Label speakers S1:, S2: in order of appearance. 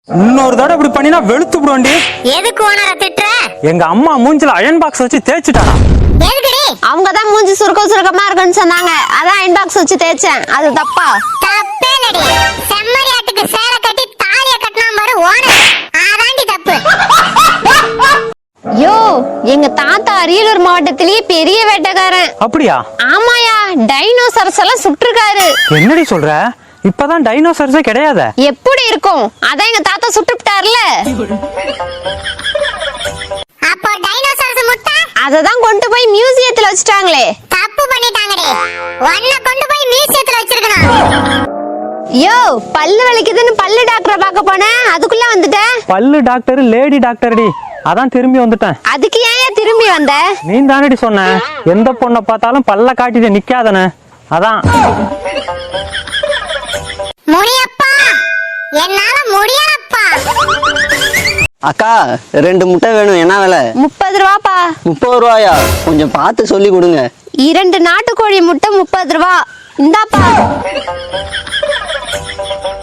S1: இன்னொரு தடவை இப்படி பண்ணினா வெளுத்து விடுவாண்டி.
S2: எதுக்கு ஓனர திட்டுற?
S1: எங்க அம்மா மூஞ்சில அயன் பாக்ஸ் வச்சு தேய்ச்சிட்டானா.
S2: எதுக்குடி?
S3: அவங்க தான் மூஞ்சி சுருக்கமா இருக்குன்னு சொன்னாங்க, அதான் அயன் பாக்ஸ் வச்சு தேய்ச்சேன். அது தப்பா?
S2: தப்பே இல்லடி. செம்மறியாட்டுக்கு சேலை கட்டி தாலிய கட்டினா பாரு ஓனர், அதாண்டி தப்பு.
S3: யோ, எங்க தாத்தா அரியலூர் மாவட்டத்திலேயே பெரிய வேட்டைக்காரன்.
S1: அப்படியா?
S3: ஆமாயா, டைனோசரஸ் எல்லாம் சுட்டிருக்காரு.
S1: என்னடி சொல்ற? இப்பதான் டைனோசர்ஸே கிடையாது.
S3: எப்படி இருக்கும்? அதான் எங்க தாத்தா சுட்டுட்டார்ல.
S2: அப்போ டைனோசரஸ் முட்டை
S3: அததான் கொண்டு போய் மியூசியத்துல வச்சுட்டாங்களே.
S2: தப்பு பண்ணிட்டாங்கடி. ஒன்ன கொண்டு போய் மியூசியத்துல வச்சிருக்கணும்.
S3: யோ, பல்லு வலிக்குதுன்னு பல்லு டாக்டரை பார்க்க போனேன், அதுக்குள்ள வந்துட்டேன்.
S1: பல்லு டாக்டர் லேடி டாக்டர்டி, அதான் திரும்பி வந்துட்டேன்.
S3: அதுக்கு ஏன் திரும்பி வந்த?
S1: நீ தானடி சொன்ன எந்த பொண்ணை பார்த்தாலும் பல்ல காட்டிட்டு நிக்காதன, அதான்.
S2: முடியப்பா, என்னால முடியலப்பா.
S4: அக்கா 2 முட்டை வேணும், என்ன விலை?
S3: 30 ரூபாப்பா.
S4: 30 ரூபாயா? கொஞ்சம் பார்த்து சொல்லி கொடுங்க.
S3: 2 நாட்டுக்கோழி முட்டை 30 ரூபா. இந்தாப்பா.